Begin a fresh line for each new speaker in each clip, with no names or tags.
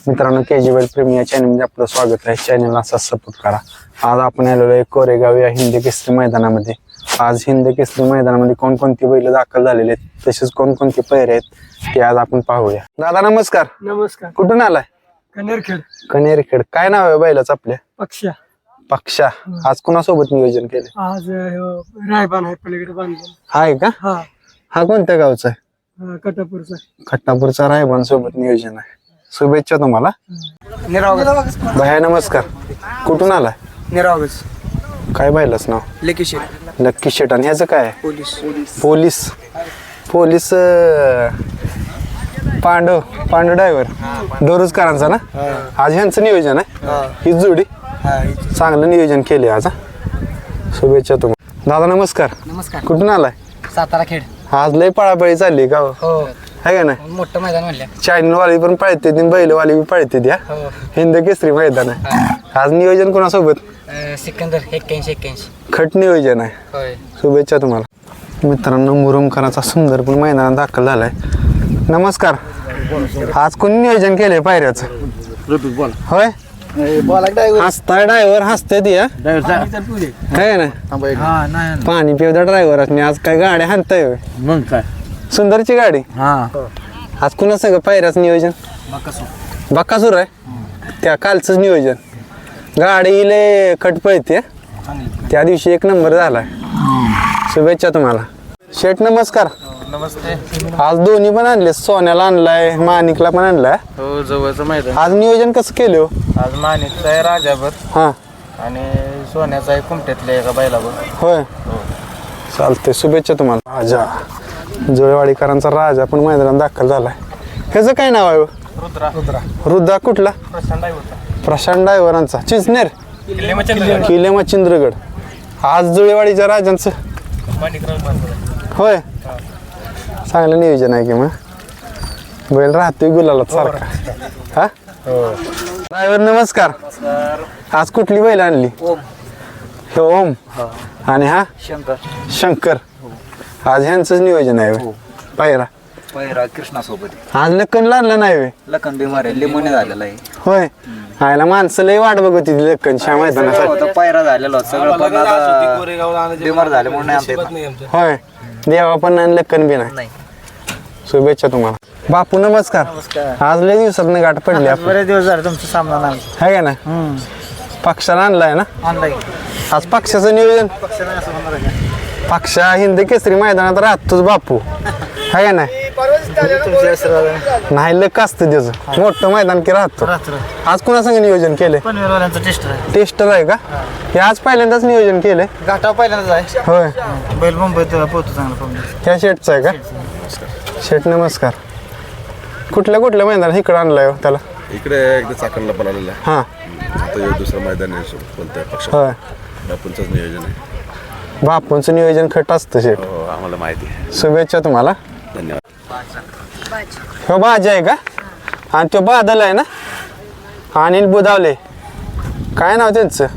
मित्रांनो KG बैल प्रेमी या चॅनलमध्ये आपलं स्वागत आहे. चॅनलला असा सपोर्ट करा. आज आपण आलेलो आहे कोरेगाव या हिंद केसरी मैदानामध्ये. आज हिंद केसरी मैदानामध्ये कोणकोणती बैल दाखल झालेले आहेत तसेच कोणकोणते पैरे आहेत ते आज आपण पाहूया. दादा नमस्कार.
नमस्कार.
कुठून आलाय?
कनेरखेड.
कनेरखेड. काय नाव आहे बैलाचं आपल्या?
पक्षा.
पक्षा. आज कोणासोबत नियोजन केले?
आज रायबान आहे पलीकडे बांधलेला.
हाय का? हा कोणत्या गावचा आहे?
कटापूरचा.
खट्टापूरचा रायबान सोबत नियोजन आहे. शुभेच्छा तुम्हाला. भैया नमस्कार. कुठून आलाय?
निरावगज.
काय बैलाच नाव?
लकी शेट.
लक्की शेट. आणि ह्याचं काय आहे?
पोलीस.
पोलीस पांडव ड्रायव्हर डोरुजकरांचा ना. आज ह्यांचं नियोजन आहे. ही जोडी चांगलं नियोजन केले आज. शुभेच्छा तुम्हाला. दादा नमस्कार.
नमस्कार.
कुठून आलाय?
सातारा खेड.
आज लय पळापळी चालली का?
हो.
है का ना?
मोठं मैदान म्हणलं.
चॅनलवाली पण पळते ती, बैलवाली बी पळते त्या. हिंद केसरी मैदान आहे. आज नियोजन कोणासोबत?
सिकंदर 81.
खट नियोजन आहे. शुभेच्छा तुम्हाला. मित्रांनो मुरुमकरांचा सुंदर पण मैदानात दाखल झालाय. नमस्कार. आज कोणी नियोजन केलंय पायऱ्याचं? होय. हसता ड्रायव्हर हसते ती. है ना? पाणी पिवदा ड्रायव्हर असणे. आज काय गाड्या हाणताय?
मग काय
सुंदरची गाडी. आज कुणा सगळं पायऱ्याचं नियोजन? बक्कासूर आहे. त्या कालचंच नियोजन. गाडी लय खट पळते. त्या दिवशी 1 नंबर झालाय. शुभेच्छा तुम्हाला. शेठ नमस्कार.
नमस्ते.
आज दोन्ही पण आणले. सोन्याला आणलाय, माणिकला पण आणलाय.
हो जवळचं मैदान.
आज नियोजन कसं केलं हो?
आज माणिकचा आहे राजाभर
हा
आणि सोन्याचा आहे कुमट्यातल्या एका बैलाभर.
होय. चालतंय. शुभेच्छा तुम्हाला. राजा जोळेवाडीकरांचा राजा पण मैदानात दाखल झालाय. ह्याचं काय नाव आहे? रुद्रा. कुठला? प्रशांत ड्रायव्हरांचा चिंचनेर किल्ले मच्छिंद्रगड. आज जुळेवाडीच्या राजांचं होय. चांगलं नियोजन आहे की मग. बैल राहतोय गुलालात सारखा. हा ड्रायव्हर नमस्कार. आज कुठली बैल आणली? हे ओम आणि हा शंकर. आज ह्यांचंच नियोजन आहे. पायरा
कृष्णासोबत
आज लक्कन आणलं नाही.
लखन बिमार लिमोने झालेला आहे.
होय. आयला माणसं लय वाट बघत होती लक्कनच्या मैदानासाठी.
पायरा झालेला सगळं पण आता बिमार झाले म्हणून
होय. देवा पण नाही लक्कन बी नाही. शुभेच्छा तुम्हाला. बापू नमस्कार. आज लय दिवसात गाठ पडली.
बरेच दिवस झाले तुमचा सामना नाही
आहे का ना? पक्षाला आणलाय ना.
ऑनलाईन
आज पक्षाचं नियोजन. पक्षा हिंद केसरी मैदानात राहतोच बापू. आहे का नाही? नाही लक असतं त्याचं. मोठं मैदान की राहतो. आज कुणासंग नियोजन केलंय? टेस्टर आहे का? हे आज पहिल्यांदाच नियोजन केलंय.
घाटाव पहिल्यांदाच आहे.
होय.
बैल मुंबईत पोहतो चांगला.
ह्या शेटचा आहे का? शेट नमस्कार. कुठल्या मैदान इकडं आणलाय त्याला?
इकडे एकदा चाकणला पण आलेला आहे.
हा
आता दुसरं मैदान आहे कोणत्या पक्षात.
होय.
बापूंचंच नियोजन आहे.
बापूंचं नियोजन खट असतं शेट.
हो आम्हाला माहिती आहे.
शुभेच्छा तुम्हाला.
धन्यवाद.
हो बाजी आहे का? आणि तो बादल आहे ना. अनिल बुधावले. काय नाव त्यांचं?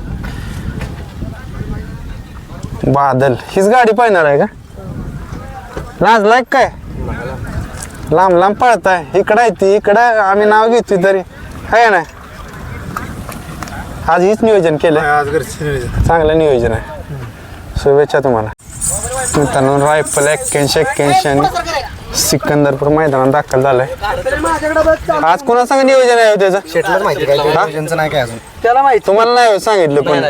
बादल. हीच गाडी पाहणार आहे का? लाजलाय काय? लांब पळताय. इकडं आहे ती. इकडं आम्ही नाव घेतोय तरी आहे ना. आज हीच नियोजन केलं. चांगलं नियोजन आहे. शुभेच्छा तुम्हाला. मित्रांनो रायफल 81 आणि सिकंदरपूर मैदानात दाखल झालाय. आज कोणासंग नियोजन आहे त्याचं?
शेटलाच माहिती काय नियोजनचं नाही काय अजून.
त्याला माहिती. तुम्हाला नाही सांगितलं कोण?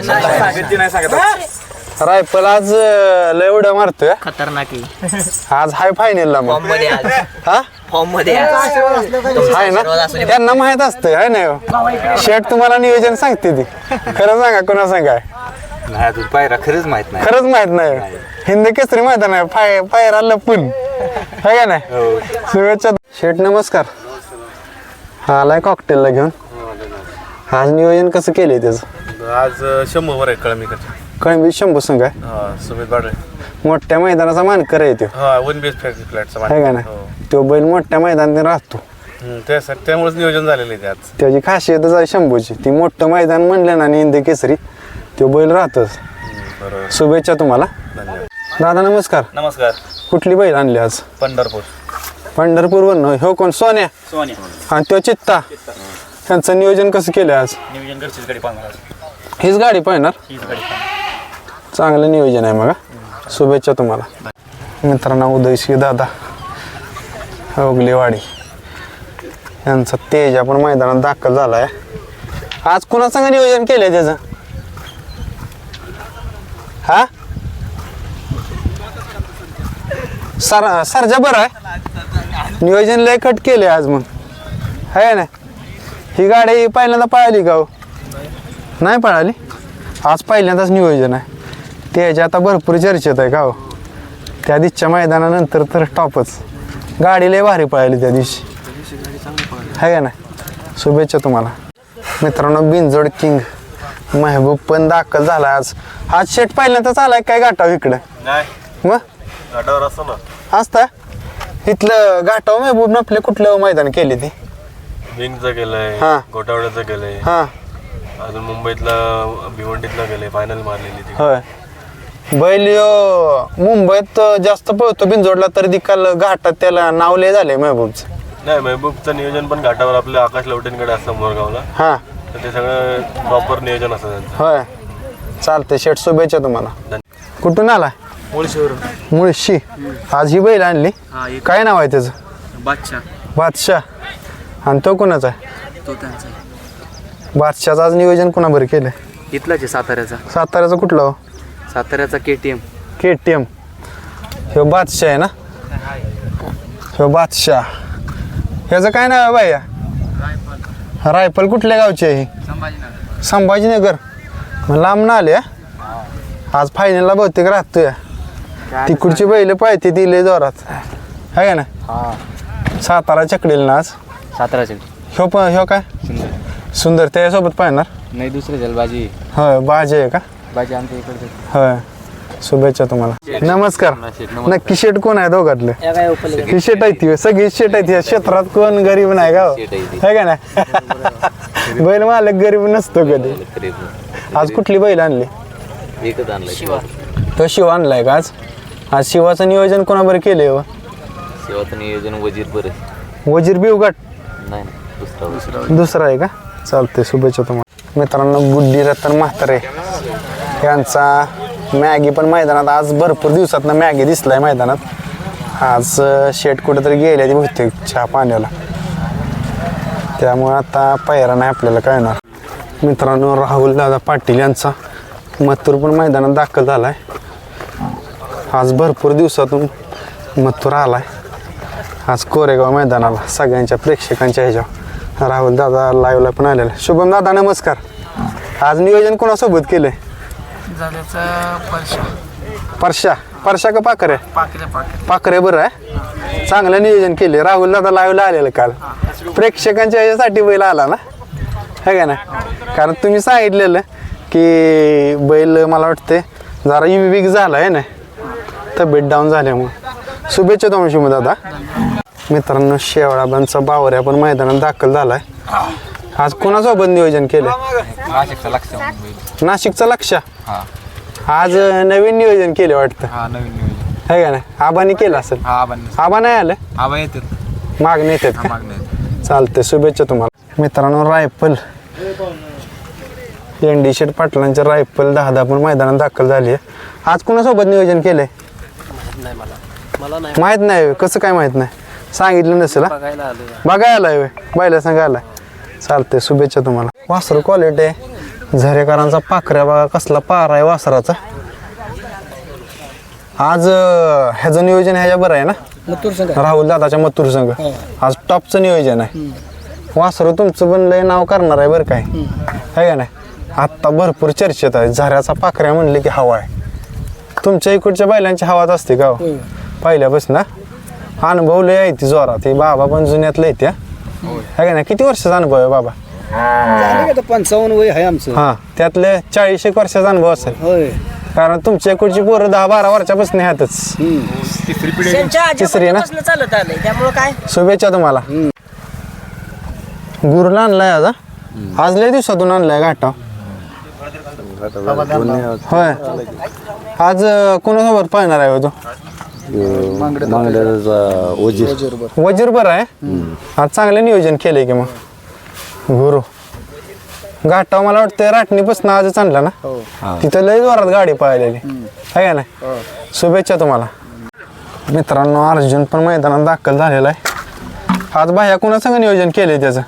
रायफल आज लय उड्या मारतोय.
खतरनाक.
आज हाय फायनलला मग. हा
फॉर्म मध्ये
आहे ना. त्यांना माहित असतं आहे ना. शेट तुम्हाला नियोजन सांगते ती. खरं सांगा कोणा सांगा?
नाही अजून पायरा खरंच माहित नाही.
खरंच माहित नाही. हिंद केसरी मैदान आहे. पायरा लपून आहे का नाही? शुभेच्छा. शेठ नमस्कार. आलाय कॉकटेलला घेऊन. आज नियोजन कसं केलंय त्याचं?
आज 100 आहे कळमीकडे.
कळंबी 100 संघ आहे.
सुमित बाडे
मोठ्या मैदानाचा मानकर आहे तो.
वन बीएच फ्लॅटचा
आहे का नाही? तो बैल मोठ्या मैदानात राहतो.
त्यामुळेच नियोजन झालेलं आहे. आज
त्याची खासियतच आहे 100ची. ती मोठं मैदान म्हणलं ना हिंद केसरी तो बैल राहतोच. शुभेच्छा तुम्हाला. दादा नमस्कार.
नमस्कार.
कुठली बैल आणली आज?
पंढरपूर.
पंढरपूरवरून. हो कोण? सोन्या. आणि तो चित्ता. त्यांचं नियोजन कसं केलं आज?
नियोजन घरचीच गाडी पाहणार
हीच गाडी पाहणार.
हीच गाडी पाहणार.
चांगलं नियोजन आहे मग. शुभेच्छा तुम्हाला. मित्रांनो उदयशी दादा ओगलेवाडी यांचा तेजा पण मैदानात दाखल झालाय. आज कुणासंग नियोजन केलंय त्याचं? हा सरजा बरं आहे. नियोजन लय कट केले आज मग आहे ना. ही गाडी पहिल्यांदा पळाली का हो? नाही पळाली. आज पहिल्यांदाच नियोजन आहे. त्याच्या आता भरपूर चर्चेत आहे का हो. त्या दिवशीच्या मैदानानंतर तर टॉपच. गाडी लय भारी पळाली त्या दिवशी आहे का ना. शुभेच्छा तुम्हाला. मित्रांनो बिनजोड किंग महबूब पण दाखल झाला आज. आज शेट पहिल्यांदाच आलाय काय घाटाव इकडं? मग
घाटावर असतो ना
असता इथलं घाटाव महबूब आपले कुठलं मैदान केले ते?
विंगचं केलंय,
हा.
गोटावड्याचं केलंय,
हां
अजून मुंबईतला भिवंडीतला गेले, फायनल मारलेली ती.
होय. बैल मुंबईत जास्त पळतो बिनजोडला तर दिकाल घाटात त्याला नाव लय झालंय महबूबचं.
नाही महबूबचं नियोजन पण घाटावर आपल्या आकाश लवटेंकडे असतं मोरगावला.
हां
तर ते सगळं प्रॉपर नियोजन असतं त्यांचं.
होय. चालतंय शेट शुभेच्छा तुम्हाला. कुठून आलाय? मुळशी. आज ही बैल आणली. काय नाव आहे त्याचं? बादशाह. आणि तो कोणाचा आहे?
तो त्यांचा
बादशाहचं आज नियोजन कोणाबरोबर केलंय?
इथलाच आहे साताऱ्याचा.
साताऱ्याचा कुठला हो?
साताऱ्याचा KTM.
KTM. ह्यो बादशाह आहे ना. ह्यो बादशाह. ह्याचं काय नाव आहे बाया? रायफल कुठल्या गावची आहे ही? संभाजीनगर. मग लांब ना आले. आज फायनलला बहुतेक राहतोय. तिकडची बैल पाहिजे ती लय जोरात आहे का ना. सातारा चकडील ना आज.
साताऱ्याचे
ह्यो काय सुंदर त्याच्यासोबत पाहणार.
नाही दुसरे झालं बाजी.
होय बाजी आहे का?
बाजी आमच्या इकडे.
होय. शुभेच्छा तुम्हाला. नमस्कार. नक्की शेट कोण आहे दोघातले? ही शेट आहे ती सगळी शेट आहे ती क्षेत्रात. कोण गरीब नाही का आहे का ना. बैल मालक गरीब नसतो कधी. आज कुठली बैल आणली?
एकच आणलं.
तो शिव आणलाय का आज? आज शिवाचं नियोजन कोणाबरोबर केलंय हो?
शिवाचं नियोजन वजीर बरं.
वजीर बिवगट
नाही दुसरा
दुसरा आहे का? चालतंय शुभेच्छा तुम्हाला. मित्रांनो बुड्डी रतन म्हातारे यांचा मॅगी पण मैदानात आज भरपूर दिवसात मॅगी दिसलाय मैदानात. आज शेट कुठेतरी गेले ती बहुतेक चहा पाण्याला. त्यामुळे आता पायरा नाही आपल्याला कळणार. मित्रांनो राहुल दादा पाटील यांचा मथुर पण मैदानात दाखल झालाय. आज भरपूर दिवसातून मथुर आलाय. आज कोरेगाव मैदानाला सगळ्यांच्या प्रेक्षकांच्या ह्याच्यावर राहुल दादा लाईव्हला पण आलेला. शुभम दादा नमस्कार. आज नियोजन कोणासोबत केलंय? परशा का पाखरे? पाखरे बरं आहे. चांगलं नियोजन केले. राहुल दादा लाईव्हला आलेलं काल. प्रेक्षकांच्या ह्याच्यासाठी बैल आला ना है का ना. कारण तुम्ही सांगितलेलं की बैल मला वाटते जरा वीक झाला आहे ना तब्येत डाऊन झाल्यामुळे. शुभेच्छा तुम्हाला शुभ दादा. मित्रांनो शेवळाबांचा बावऱ्या पण मैदानात दाखल झालाय. आज कोणासोबत नियोजन केलंय? नाशिकचा लक्ष. आज नवीन नियोजन केले वाटतं है का नाही. आबानी केलं असेल. आबा नाही आलं. मागणी येतात का? चालतंय शुभेच्छा तुम्हाला. मित्रांनो रायफल एनडी शेठ पाटलांच्या रायफल 10 पण मैदानात दाखल झाली आहे. आज कोणासोबत नियोजन केलंय? माहित नाही. कसं काय माहित नाही? सांगितलं नसेल. बघायला आलाय बायला सांगा आलाय. चालतंय शुभेच्छा तुम्हाला. वासरू क्वालिटी आहे. झरेकरांचा पाखऱ्या बघा कसला पारा आहे वासराचा. आज ह्याचं नियोजन ह्याच्या बरं आहे ना राहुल दादाच्या मथुर संघ. आज टॉपचं नियोजन आहे. वासरू तुमचं पण लय नाव करणार आहे बरं काय आहे का नाही. आत्ता भरपूर चर्चेत आहे. झऱ्याचा पाखऱ्या म्हणले की हवा आहे. तुमच्या इकडच्या बैलांची हवाच असते का पहिल्यापासून? अनुभव लय आहे ती जोरात. ती बाबा पण जुन्यातलं आहे त्या आहे का नाही. किती वर्षाचा अनुभव आहे बाबा?
55 वय आहे आमचं.
हां त्यातले 40 वर्षाचा अनुभव असेल. कारण तुमच्या इकडची पोरं 10-12 वर्षापासून ह्यातच. तिसरी ना.
चालत आलंय त्यामुळे काय.
शुभेच्छा तुम्हाला. गुरुला आणलाय आज लय दिवसातून आणलाय घाटा. होय. आज कोणासोबत पाहणार आहे तो?
वजीर
वजीर बरं आहे. आज चांगलं नियोजन केलंय की मग गुरु घाटाव मला वाटतं राटणीपासून आजच आणला ना
हो
तिथं लय जोरात गाडी पळालेली आहे का नाही शुभेच्छा तुम्हाला मित्रांनो. अर्जुन पण मैदानात दाखल झालेला आहे. आज बाह्या कुणासंग नियोजन केलंय त्याचं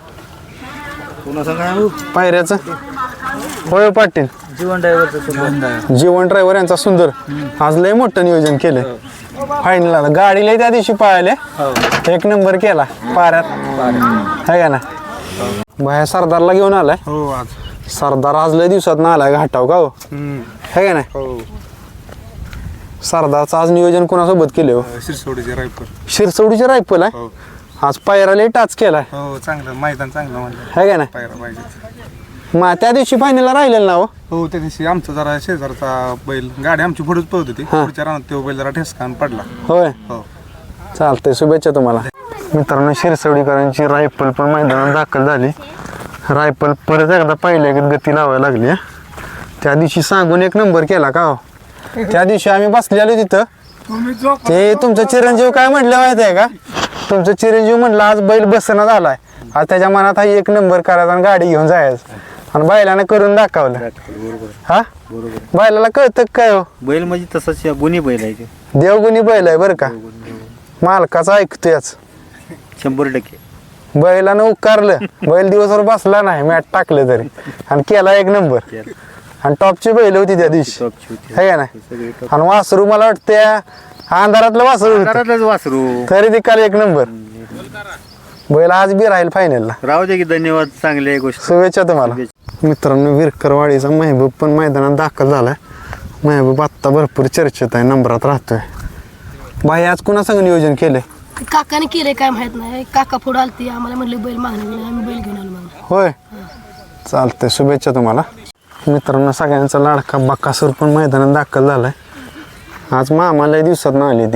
पायऱ्याचं होय पाटील
जीवन ड्रायव्हरचं
जीवन ड्रायव्हर यांचा सुंदर आज लय मोठं नियोजन केलंय फायनल. गाडी लय त्या दिवशी पळाले एक नंबर केला पाऱ्यात आहे का ना. बाहेर सरदारला घेऊन आलाय.
हो आज
सरदार आज लय दिवसात ना आलाय घाटाव का हो है का नाही. सरदारचं आज नियोजन कोणासोबत केले हो
शिरसोडीचे रायपूर.
शिरसवडीचे रायफल आहे आज पायरा लय टाच केलाय
हो चांगलं मैदान चांगलं म्हणलं
है का नाही.
पायरा पाहिजे.
मग त्या दिवशी फायनलला राहिलेलं ना हो
हो त्या दिवशी आमचा जरा शेजारचा बैल गाडी आमची पुढेच पळत होती पुढच्या रानात तो बैल जरा ठेसकान पडला.
होय
हो
चालतंय शुभेच्छा तुम्हाला. मित्रांनो शिरसवडीकरांची रायफल पण मैदानात दाखल झाली. रायफल परत एकदा पहिल्या गती लावायला लागली हा. त्या दिवशी सांगून एक नंबर केला का हो. त्या दिवशी आम्ही बसलेलो तिथं ते तुमचं चिरंजीव काय म्हटलं माहिती आहे का. तुमचं चिरंजीव म्हटलं आज बैल बसना झालाय आज त्याच्या मनात हा एक नंबर करायचा आणि गाडी घेऊन जायचं आणि बैलानं करून दाखवलं. हा बैलाला कळतं काय हो
बैल म्हणजे तसंच गुन्हे बैल आहे
देवगुणी बैल आहे बरं का. मालकाचं ऐकतोयच
100%.
बैलानं उकारलं बैल दिवसभर बसला नाही मॅट टाकलं तरी आणि केला एक नंबर आणि टॉपची बैल होती त्या दिवशी है का नाही. आणि वासरू मला वाटतं अंधारातलं वासरू होतं.
वासरू
तरी ती काल एक नंबर बैल आज बी राहील फायनलला.
राहू दे की धन्यवाद चांगली गोष्ट.
शुभेच्छा तुम्हाला. मित्रांनो विरकरवाडीचा महबूब पण मैदानात दाखल झालाय. महबूब आत्ता भरपूर चर्चेत आहे नंबरात राहतोय. बाई आज कुणासंग नियोजन केलंय
काकाने केले काय माहित नाही. काका पुढे आलती आम्हाला म्हणले बैल मागणे गेले आम्ही बैल घेऊन आलो मागणे.
होय चालतंय शुभेच्छा तुम्हाला. मित्रांनो सगळ्यांचा लाडका बकासूर पण मैदानात दाखल झालाय. आज मामा लय दिवसात ना आली ती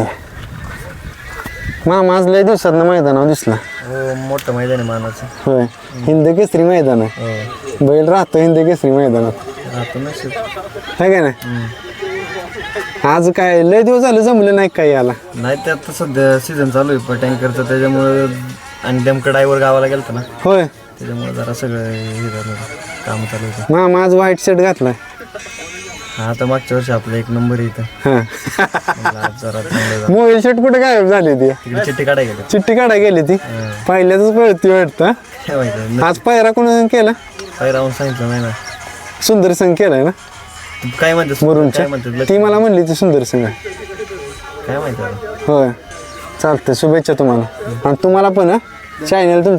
मामा आज लय दिवसात ना मैदानावर दिसला.
मोठं मैदान आहे मानाचं.
होय हिंद केसरी मैदान आहे. बैल राहतो हिंद केसरी मैदानात है का नाही. आज काय लय दिवस झाले जमलं नाही काय याला.
नाही ते आता सध्या सीझन चालू आहे पण टँकरचं त्याच्यामुळे आणि नेमकं ड्रायव्हर गावाला गेलता ना
होय
त्याच्यामुळे जरा सगळं हे झालं काम चालू होतं.
मामा आज व्हाईट शर्ट घातलाय.
हा आता मागच्या वर्षी आपलं एक नंबर इथं
हा
आज जरा चांगलं झालं.
मोबाईल शर्ट कुठे गायब झाली ती
तिकडे चिठ्ठी काढायला गेलं
चिठ्ठी काढाय गेली ती पहिल्याच पळती वाटतं.
काय माहिती
आज पायरा कोणा केला
काय राहून सांगितलं नाही ना.
सुंदर संघ केलाय ना
काय म्हणते
मुरुमच्या. ती मला म्हणली ती सुंदर संघ
काय माहिती आता.
होय चालतंय शुभेच्छा तुम्हाला. आणि तुम्हाला पण चॅनल